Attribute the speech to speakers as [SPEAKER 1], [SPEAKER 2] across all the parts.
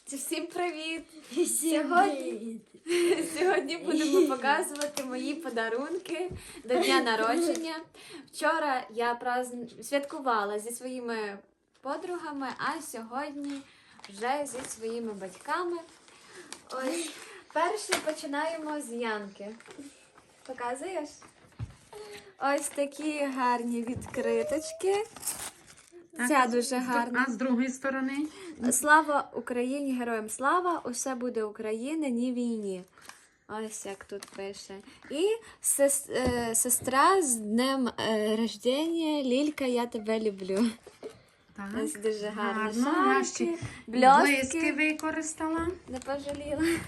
[SPEAKER 1] Всім привіт!
[SPEAKER 2] Всім
[SPEAKER 1] Сьогодні будемо показувати мої подарунки до дня народження. Вчора я святкувала зі своїми подругами, а сьогодні вже зі своїми батьками. Ось, перший починаємо з Янки. Показуєш? Ось такі гарні відкриточки. Ця дуже гарна.
[SPEAKER 2] А з другої сторони?
[SPEAKER 1] Слава Україні, героям слава, усе буде Україна, ні війні. Ось як тут пише. І сестра з днем рождення, Лілька, я тебе люблю.
[SPEAKER 2] Так.
[SPEAKER 1] Ось дуже гарні
[SPEAKER 2] Я
[SPEAKER 1] шарики,
[SPEAKER 2] ще
[SPEAKER 1] блістки.
[SPEAKER 2] блиски використала.
[SPEAKER 1] Не пожаліла.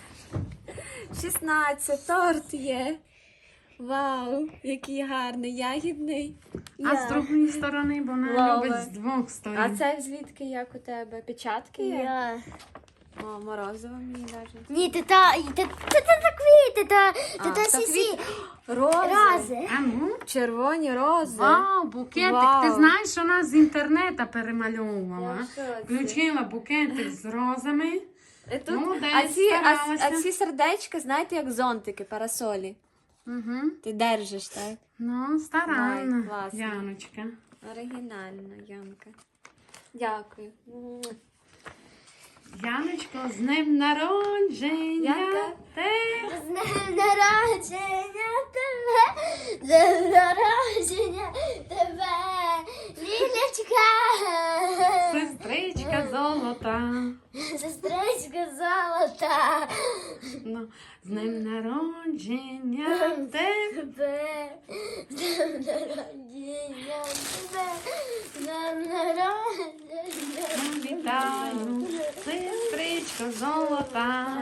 [SPEAKER 1] 16, торт є. Вау, який гарний, ягідний.
[SPEAKER 2] А з другої сторони, бо вона
[SPEAKER 1] Лава.
[SPEAKER 2] любить з двох сторін.
[SPEAKER 1] А це звідки, як у тебе? Печатки є?
[SPEAKER 3] Я.
[SPEAKER 1] О, морозиво мені навіть.
[SPEAKER 3] Ні, це квіти, це
[SPEAKER 1] то
[SPEAKER 3] сісі.
[SPEAKER 1] Рози.
[SPEAKER 3] Рази.
[SPEAKER 2] А ну?
[SPEAKER 1] Червоні рози.
[SPEAKER 2] Вау, букетик.
[SPEAKER 1] Вау.
[SPEAKER 2] Ти знаєш, вона з інтернету перемальовувала.
[SPEAKER 1] Я в шоці.
[SPEAKER 2] Включила букетик з розами.
[SPEAKER 1] І тут,
[SPEAKER 2] Молодець,
[SPEAKER 1] а
[SPEAKER 2] старалася.
[SPEAKER 1] ці сердечка, знаєте, як зонтики, парасолі.
[SPEAKER 2] Угу.
[SPEAKER 1] Ти держиш, так?
[SPEAKER 2] Ну, старанна.
[SPEAKER 1] Ой, класно.
[SPEAKER 2] Яночка.
[SPEAKER 1] Оригінально, Янка. Дякую.
[SPEAKER 2] Яночко, з днем народження.
[SPEAKER 1] Янка.
[SPEAKER 3] З днем народження тебе, з днем народження тебе, Лілечка.
[SPEAKER 2] Сестричка золота.
[SPEAKER 3] Сестричка золота.
[SPEAKER 2] Ну, з днем народження тебе.
[SPEAKER 3] Тебе, з днем народження тебе, з днем народження.
[SPEAKER 2] Вітаю, сестричко золота.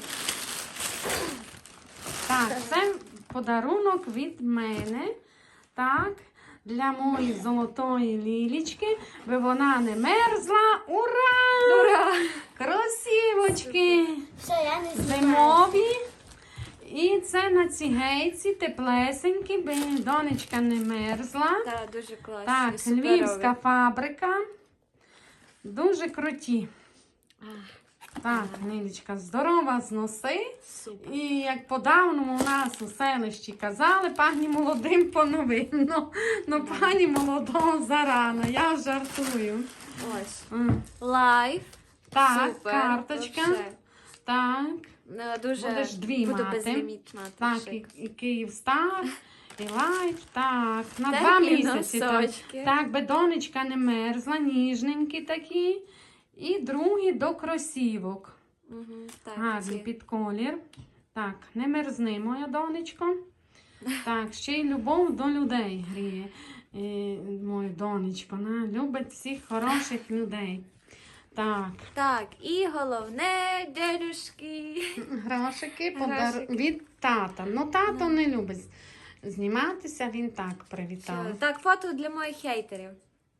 [SPEAKER 2] Так, це подарунок від мене. Так, для моєї золотої лілічки, би вона не мерзла. Ура!
[SPEAKER 1] Ура!
[SPEAKER 2] Красивочки!
[SPEAKER 3] Все, я не знаю.
[SPEAKER 2] Зимові. І це на ці гейці теплесенькі, би донечка не мерзла.
[SPEAKER 1] Так, дуже класно.
[SPEAKER 2] Так, львівська фабрика. Дуже круті. Так, Нілічка, здорова зноси.
[SPEAKER 1] Супер.
[SPEAKER 2] І як по-давному у нас у селищі казали, пані молодим поновинно. Ну, пані молодого зарано, я жартую.
[SPEAKER 1] Ось.
[SPEAKER 2] М.
[SPEAKER 1] Лайф.
[SPEAKER 2] Так,
[SPEAKER 1] Супер.
[SPEAKER 2] карточка.
[SPEAKER 1] Вообще.
[SPEAKER 2] Так,
[SPEAKER 1] Дуже
[SPEAKER 2] будеш дві
[SPEAKER 1] буду
[SPEAKER 2] мати.
[SPEAKER 1] безлімітна.
[SPEAKER 2] Так,
[SPEAKER 1] шик.
[SPEAKER 2] і Київстар, і Лайф, так, на
[SPEAKER 1] Такі
[SPEAKER 2] 2 місяці.
[SPEAKER 1] носочки.
[SPEAKER 2] Так, би донечка не мерзла, ніжненькі такі. І другі до кросівок.
[SPEAKER 1] Мгм, так,
[SPEAKER 2] Гарні
[SPEAKER 1] ці.
[SPEAKER 2] під колір. Так, не мерзни, моя донечко. Так, ще й любов до людей гріє. Моя донечко, вона любить всіх хороших людей. Так,
[SPEAKER 1] Так, і головне, дядюшки.
[SPEAKER 2] грошики
[SPEAKER 1] Грошики.
[SPEAKER 2] від тата. Ну, тато не любить зніматися, він так привітав.
[SPEAKER 1] Так, фото для моїх хейтерів.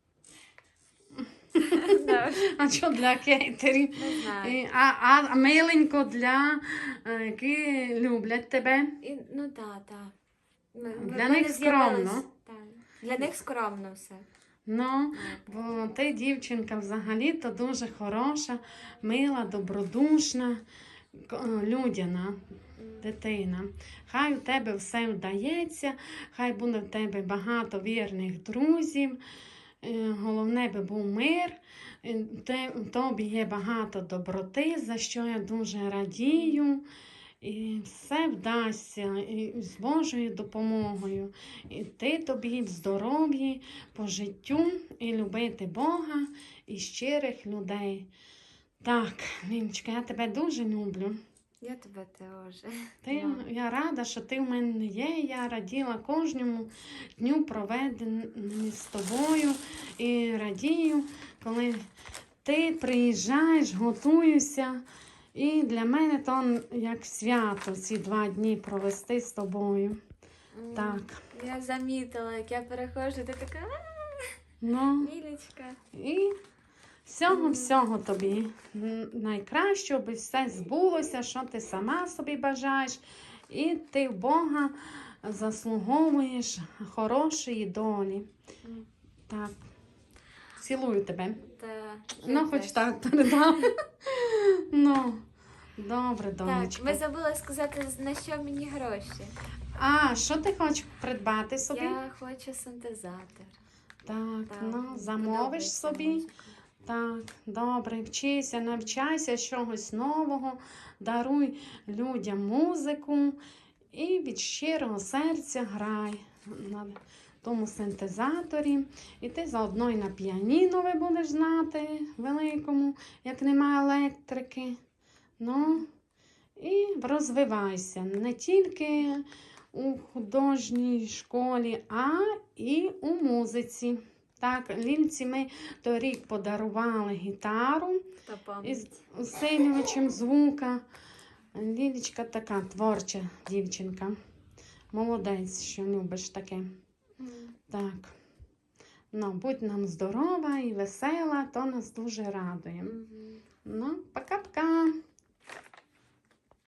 [SPEAKER 1] Да,
[SPEAKER 2] А що для кейтерів?
[SPEAKER 1] Не знаю.
[SPEAKER 2] А миленько для які люблять тебе.
[SPEAKER 1] Ну так, так.
[SPEAKER 2] Для них скромно.
[SPEAKER 1] Для них скромно все.
[SPEAKER 2] Ну, бо ти, дівчинка, взагалі-то дуже хороша, мила, добродушна, людяна дитина. Хай у тебе все вдається, хай буде в тебе багато вірних друзів. Головне би був мир, в тобі є багато доброти, за що я дуже радію. І все вдасться і з Божою допомогою. І ти тобі в здоров'ї, по життю, і любити Бога і щирих людей. Так, Ніночка, я тебе дуже люблю.
[SPEAKER 1] Я тебе теж.
[SPEAKER 2] Я рада, що ти в мене є. Я раділа кожному дню проведеному з тобою. І радію, коли ти приїжджаєш, готуєшся. І для мене то як свято ці 2 дні провести з тобою. Так.
[SPEAKER 1] Я замітила, як я переходжу, ти така
[SPEAKER 2] Ну,
[SPEAKER 1] Мілечка.
[SPEAKER 2] і всього тобі найкращого, аби все збулося, що ти сама собі бажаєш. І ти в Бога заслуговуєш хорошої долі. Так. Цілую тебе.
[SPEAKER 1] Та,
[SPEAKER 2] Ну,
[SPEAKER 1] я
[SPEAKER 2] хоч
[SPEAKER 1] теж.
[SPEAKER 2] так передам. Ну, Добре,
[SPEAKER 1] Так,
[SPEAKER 2] донечко.
[SPEAKER 1] ми забули сказати, на що мені гроші.
[SPEAKER 2] А, що ти хочеш придбати собі?
[SPEAKER 1] Я хочу синтезатор.
[SPEAKER 2] Так,
[SPEAKER 1] Так,
[SPEAKER 2] ну,
[SPEAKER 1] мені
[SPEAKER 2] замовиш
[SPEAKER 1] подобається
[SPEAKER 2] собі.
[SPEAKER 1] музика.
[SPEAKER 2] Так, добре, вчися, навчайся чогось нового, даруй людям музику і від щирого серця грай на тому синтезаторі. І ти заодно і на піаніно ви будеш знати великому, як нема електрики. Ну, і розвивайся не тільки у художній школі, а і у музиці. Так, Лільці ми торік подарували гітару
[SPEAKER 1] Та
[SPEAKER 2] із
[SPEAKER 1] пам'ять.
[SPEAKER 2] усилювачем звука. Лілічка така творча дівчинка. Молодець, що любиш таке. Так. Ну, будь нам здорова і весела, то нас дуже радує. Ну, пока-пока.